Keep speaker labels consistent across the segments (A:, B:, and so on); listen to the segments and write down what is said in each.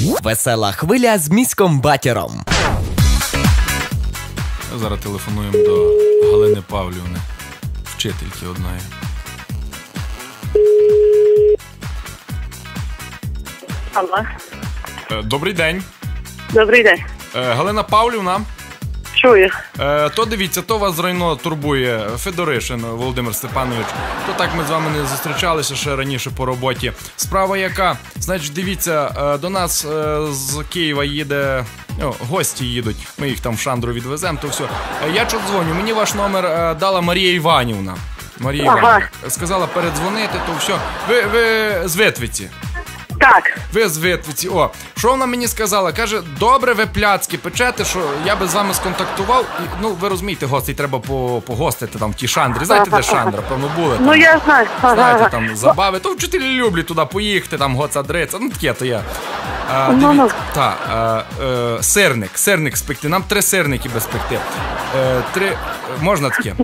A: Весела хвиля з міськом Батіром.
B: Зараз телефонуємо до Галини Павлівни, вчительки одної.
C: Алло.
B: Добрий день.
C: Добрий день.
B: Галина Павлівна.
C: Чую.
B: То дивіться, то вас зрайно турбує Федоришин Володимир Степанович. То так ми з вами не зустрічалися ще раніше по роботі. Справа яка? Значить, дивіться, до нас з Києва їде... гості їдуть, ми їх там в Шандру відвеземо, то все. Я чого дзвоню, мені ваш номер дала Марія Іванівна. Марія Іванівна. Сказала передзвонити, то все. Ви з Витвиці.
C: Так.
B: Ви з Витвиці. Що вона мені сказала? Каже, добре ви пляцки печете, що я би з вами сконтактував. І, ви розумієте, гостей треба погостити там в тій Шандрі. Знаєте, де Шандра? Певно, були там.
C: Я знаю.
B: Знаєте, там забави. То вчителі люблять туди поїхати, там гоцадриця. Таке то я. Сирник спекти. Нам 3 сирники без пекти. 3... Можна таке?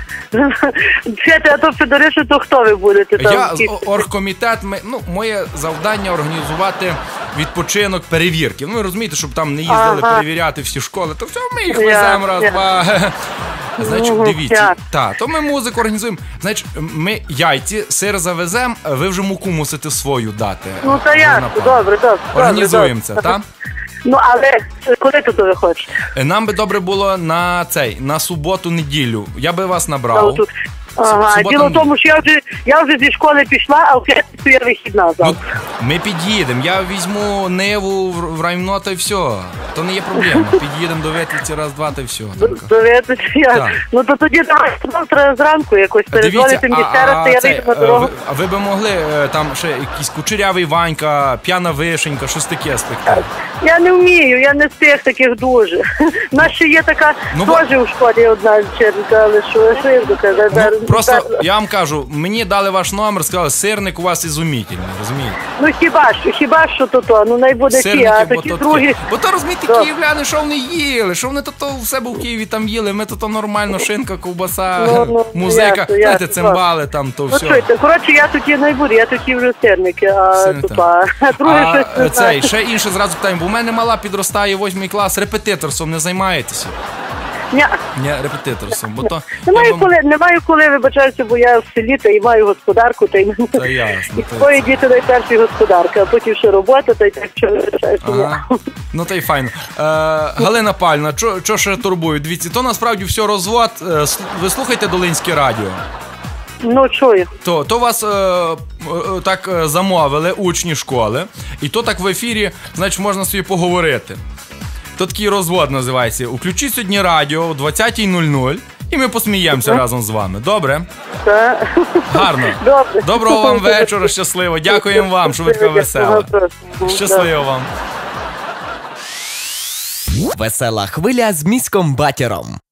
C: А то Федоришин, то хто ви будете?
B: Я з оргкомітет, моє завдання організувати відпочинок, перевірки. Ви розумієте, щоб там не їздили перевіряти всі школи, то все, ми їх веземо раз-два. Значить, дивіться, то ми музику організуємо. Значить, ми яйці, сир завеземо, ви вже муку мусите свою дати.
C: Та я, добре.
B: Організуємо це, так?
C: Але коли тут ви хочете?
B: Нам би добре було на суботу-неділю. Я би вас набрав.
C: Діло в тому, що я вже зі школи пішла, а в п'ятницю я вихідна завтра.
B: Ми під'їдемо, я візьму Ниву в районо, та й все. То не є проблема. Під'їдемо до Витвиці раз-два, та й все.
C: До Витвиці? То тоді завтра зранку якось перезвонити мені ще раз, то я вийду на дорогу.
B: А ви би могли там ще якийсь Кучерявий Ванька, П'яна Вишенька, щось таке спектакль?
C: Я не вмію, я не з тих таких дуже. У нас ще є така теж у школі одна вчителька, але що я доказати.
B: Просто, я вам кажу, мені дали ваш номер, сказали, сирник у вас ізумітельний, розумієте?
C: Хіба що то, найбуде ті, а такі другі...
B: Бо то, розумієте, київляни, що вони їли, що вони то в себе в Києві там їли, ми то нормально, шинка, ковбаса, музика, знаєте, цимбали там, то все.
C: Чуйте, коротше, я такі найбуду, я такі вже сирники, а друге щось не знаю.
B: Ще інше зразу питання, бо у мене мала підростає 8 клас, репетиторством не займаєтеся?
C: Ні,
B: репетиторством, бо то...
C: Немає коли, вибачаюся, бо я в селі, та й маю господарку, та й...
B: Та ясно.
C: І твої діти найперші господарка, а потім ще робота, та й так, що вибачаюся.
B: Та й файно. Галина Павлівна, що ще турбує? Дивіться, то насправді все розвод. Ви слухаєте Долинське радіо?
C: Чую.
B: То вас так замовили учні школи, і то так в ефірі, значить, можна собі поговорити. То такий розвод називається. Включіть сьогодні радіо о 20:00 і ми посміємося разом з вами. Добре?
C: Так.
B: Гарно.
C: Добре.
B: Доброго вам вечора, щасливо. Дякуємо вам, що ви така весела. Щасливо вам.
A: Весела хвиля з міськом Батіром.